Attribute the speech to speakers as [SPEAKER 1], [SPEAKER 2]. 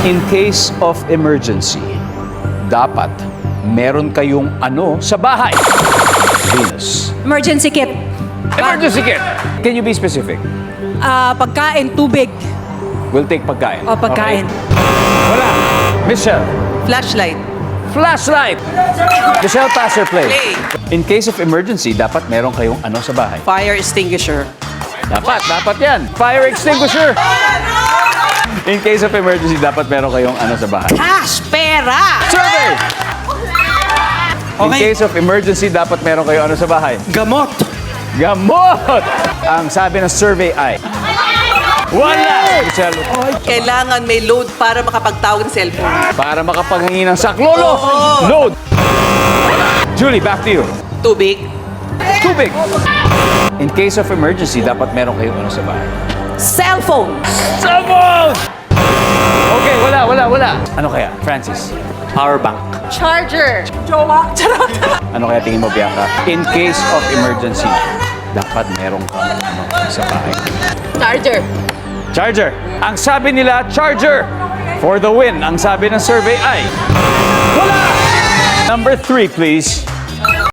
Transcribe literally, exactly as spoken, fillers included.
[SPEAKER 1] In case of emergency, dapat meron kayong ano sa bahay? Venus.
[SPEAKER 2] Emergency kit.
[SPEAKER 1] Emergency kit! Can you be specific?
[SPEAKER 2] Ah, pagkain, tubig.
[SPEAKER 1] We'll take pagkain.
[SPEAKER 2] O pagkain.
[SPEAKER 1] Okay. Wala. Michelle.
[SPEAKER 3] Flashlight.
[SPEAKER 1] Flashlight! Michelle, pass or play?
[SPEAKER 3] Play.
[SPEAKER 1] In case of emergency, dapat meron kayong ano sa bahay?
[SPEAKER 3] Fire extinguisher.
[SPEAKER 1] Dapat, dapat yan. Fire extinguisher! In case of emergency, dapat meron kayong ano sa bahay?
[SPEAKER 3] Cash! Pera!
[SPEAKER 1] Survey! In
[SPEAKER 3] Okay.
[SPEAKER 1] case of emergency, dapat meron kayong ano sa bahay?
[SPEAKER 3] Gamot!
[SPEAKER 1] Gamot! Ang sabi ng survey ay... Wala! Michelle,
[SPEAKER 3] Kailangan may load para makapagtawag ng cellphone.
[SPEAKER 1] para makapaghingi ng saklolo! Load! Julie, back to you.
[SPEAKER 3] Tubig.
[SPEAKER 1] Tubig! In case of emergency, dapat meron kayong ano sa bahay?
[SPEAKER 3] Cellphone.
[SPEAKER 1] Sabon! Okay, wala, wala, wala. Ano kaya? Francis? Power bank.
[SPEAKER 2] Charger.
[SPEAKER 3] Jowa. Charot.
[SPEAKER 1] Ano kaya tingin mo, Bianca? In case of emergency, dapat meron kang ano sa bahay?
[SPEAKER 2] Charger.
[SPEAKER 1] Charger. Ang sabi nila, charger. For the win. Ang sabi ng survey ay... Wala! Number three, please.